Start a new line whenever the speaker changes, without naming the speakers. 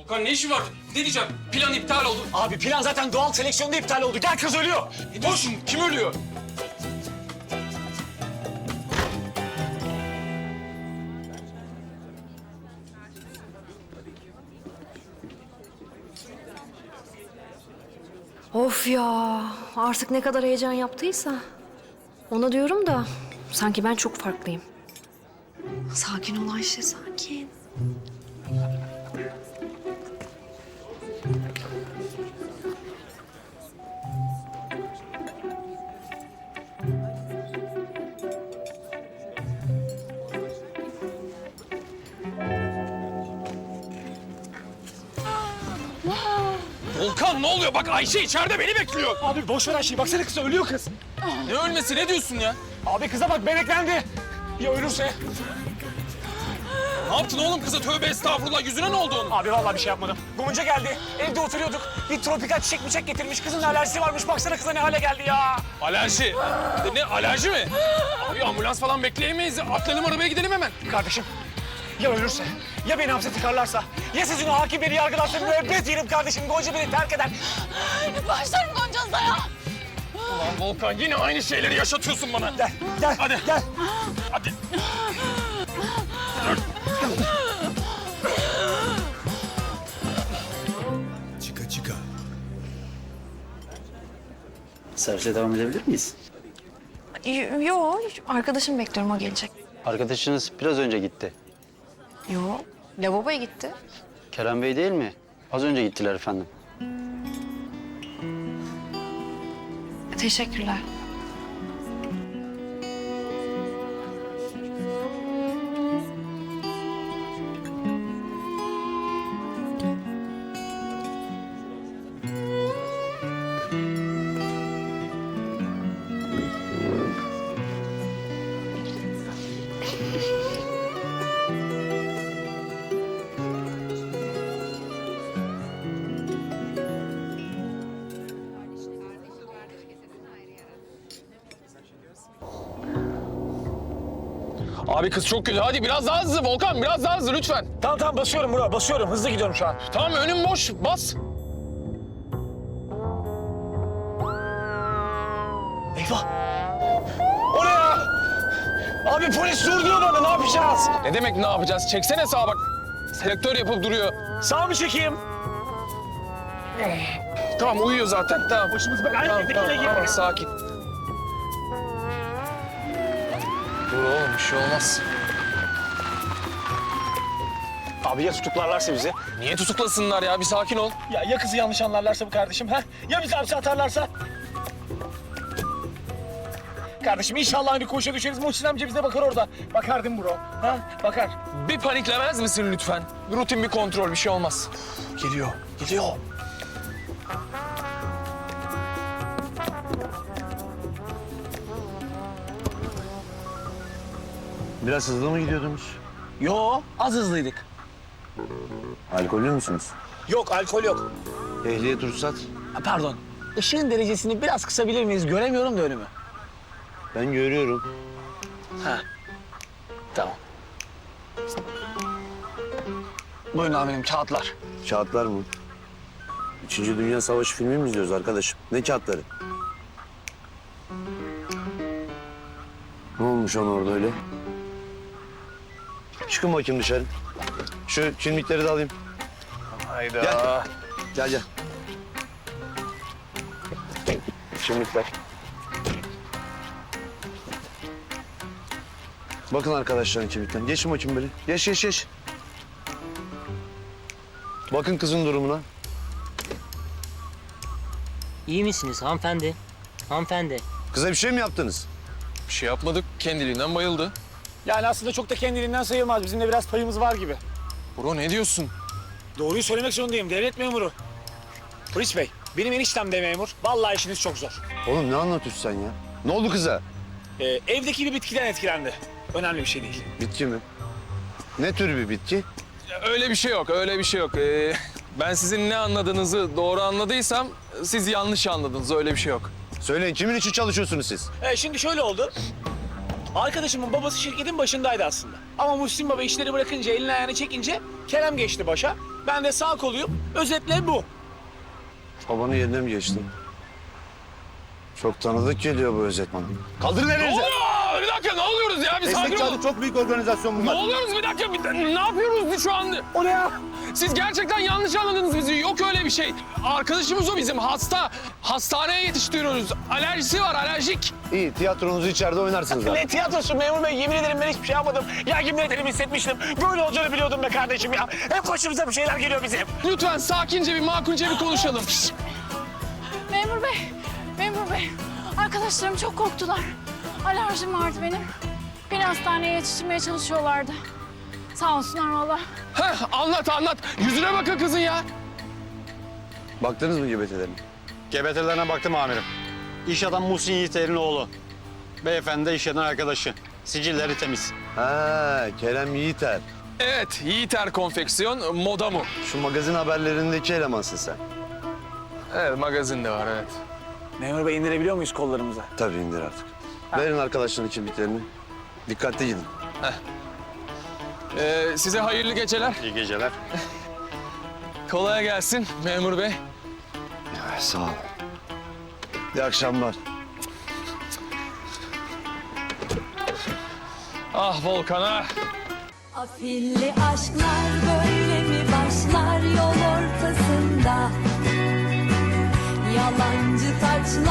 Kan ne işi var? Ne diyeceğim? Plan iptal oldu.
Abi plan zaten doğal seleksiyonda iptal oldu. Gel kız ölüyor.
Ne diyorsun? Kim ölüyor?
Of ya, artık ne kadar heyecan yaptıysa. Ona diyorum da sanki ben çok farklıyım. Sakin ol Ayşe, sakin.
Volkan ne oluyor? Bak Ayşe içeride beni bekliyor.
Abi boş ver her şeyi. Baksana kız ölüyor kız.
Ne ölmesi? Ne diyorsun ya?
Abi kıza bak beneklendi. Ya ölürse?
Ne yaptın oğlum kıza? Tövbe estağfurullah. Yüzüne ne oldu onun?
Abi vallahi bir şey yapmadım. Gonca geldi. Evde oturuyorduk. Bir tropikal çiçek getirmiş. Kızın alerjisi varmış. Baksana kıza ne hale geldi ya.
Alerji. Ne alerji mi? Abi ambulans falan bekleyemeyiz. Atlayalım arabaya gidelim hemen.
Kardeşim ya ölürse, ya beni hapse tıkarlarsa, ya sizin o hakim beni yargılarsa müebbet yerim kardeşim. Gonca beni terk eder.
Başlarım Gonca'za ya.
Ulan Volkan yine aynı şeyleri yaşatıyorsun bana.
Gel, gel,
Hadi.
gel.
Hadi.
Çıka çıka.
Servise devam edebilir miyiz?
Yo, arkadaşım bekliyorum, o gelecek.
Arkadaşınız biraz önce gitti.
Yo, lavaboya gitti.
Kerem Bey değil mi? Az önce gittiler efendim.
Teşekkürler.
Abi kız çok kötü. Hadi biraz daha hızlı Volkan. Biraz daha hızlı lütfen.
Tamam basıyorum bro, basıyorum. Hızlı gidiyorum şu an.
Tamam önüm boş. Bas.
Eyvah! O ne ya? Abi polis dur diyor bana, ne yapacağız?
Ne demek ne yapacağız? Çeksene sağa bak. Selektör yapıp duruyor.
Sağ mı çekeyim?
Tamam uyuyor zaten. Tamam.
Başımız belaya
Tamam,
girdi,
tamam,
yine
tamam,
girdi.
sakin. Dur oğlum bir şey olmaz.
Abi ya tutuklarlarsa bizi?
Niye tutuklasınlar ya? Bir sakin ol.
Ya kızı yanlış anlarlarsa bu kardeşim ha? Ya bizi hapse atarlarsa? Kardeşim inşallah aynı koğuşa düşeriz. Muhsin amca bize bakar orada. Bakar değil mi bro? Ha? Bakar.
Bir paniklemez misin lütfen? Rutin bir kontrol, bir şey olmaz.
Geliyor, geliyor.
Biraz hızlı mı gidiyordunuz?
Yo, az hızlıydık.
Alkollü müsünüz?
Yok, alkol yok.
Ehliyet, ruhsat.
Ha, pardon. Işığın derecesini biraz kısabilir miyiz? Göremiyorum da önümü.
Ben görüyorum.
Ha. Tamam. Buyurun amirim, kağıtlar.
Kağıtlar mı? Üçüncü Dünya Savaşı filmi mi izliyoruz arkadaşım? Ne kağıtları? Ne olmuş ona orada öyle? Çıkın bakayım dışarı. Şu kimlikleri de alayım.
Hayda.
Gel. Gel gel. Kimlikler. Bakın arkadaşların kimlikten. Geçin bakayım böyle. Geç. Bakın kızın durumuna.
İyi misiniz hanımefendi? Hanımefendi.
Kıza bir şey mi yaptınız?
Bir şey yapmadık, kendiliğinden bayıldı.
Yani aslında çok da kendiliğinden sayılmaz. Bizim de biraz payımız var gibi.
Bro ne diyorsun?
Doğruyu söylemek zorundayım. Devlet memuru. Polis bey, benim eniştem de memur. Vallahi işiniz çok zor.
Oğlum ne anlatıyorsun sen ya? Ne oldu kıza?
Evdeki bir bitkiden etkilendi. Önemli bir şey değil.
Bitki mi? Ne tür bir bitki?
Öyle bir şey yok, öyle bir şey yok. Ben sizin ne anladığınızı doğru anladıysam siz yanlış anladınız, öyle bir şey yok.
Söyleyin kimin için çalışıyorsunuz siz?
Şimdi şöyle oldu. Arkadaşımın babası şirketin başındaydı aslında. Ama Muhsin Baba işleri bırakınca, elini ayağını çekince Kerem geçti başa. Ben de sağ koluyum. Özetle bu.
Babanın yerine mi geçtin? Çok tanıdık geliyor bu özet bana. Kaldırın
Ne
elinizi.
oluyor? Bir dakika ne oluyoruz ya? Bir sakin olun.
çok büyük organizasyon
Ne
bunlar.
oluyoruz bir dakika? Ne yapıyoruz biz şu an?
O ne ya?
Siz gerçekten yanlış anladınız bizi. Yok öyle bir şey. Arkadaşımız o bizim. Hasta. Hastaneye yetiştiriyoruz. Alerjisi var, alerjik.
İyi, tiyatronuzu içeride oynarsınız abi.
Ne tiyatrosu memur bey? Yemin ederim ben hiçbir şey yapmadım. Ya yemin ederim hissetmiştim. Böyle olacağını biliyordum be kardeşim ya. Hep başımıza bir şeyler geliyor bizim.
Lütfen sakince bir makulce bir konuşalım.
Memur bey, memur bey. Arkadaşlarım çok korktular. Alerjim vardı benim. Beni hastaneye yetiştirmeye çalışıyorlardı. Sağ olsunlar valla.
Heh, anlat. Yüzüne bakın kızın ya.
Baktınız mı GBT'lerine?
GBT'lerine baktım amirim. İş adam Muhsin Yiğiter'in oğlu. Beyefendi de iş yerden arkadaşı. Sicilleri temiz.
Ha, Kerem Yiğiter.
Evet, Yiğiter Konfeksiyon, moda mu?
Şu magazin haberlerindeki elemansın sen.
Evet, magazin de var, evet.
Memur bey indirebiliyor muyuz kollarımıza?
Tabii indir artık. Verin arkadaşların kimliklerini. Dikkatli gidin.
Size hayırlı geceler.
İyi geceler.
Kolay gelsin memur bey.
Ya, sağ ol. İyi akşamlar.
Ah Volkan ah.
Afilli aşklar böyle mi başlar yol ortasında? Yalancı taçlar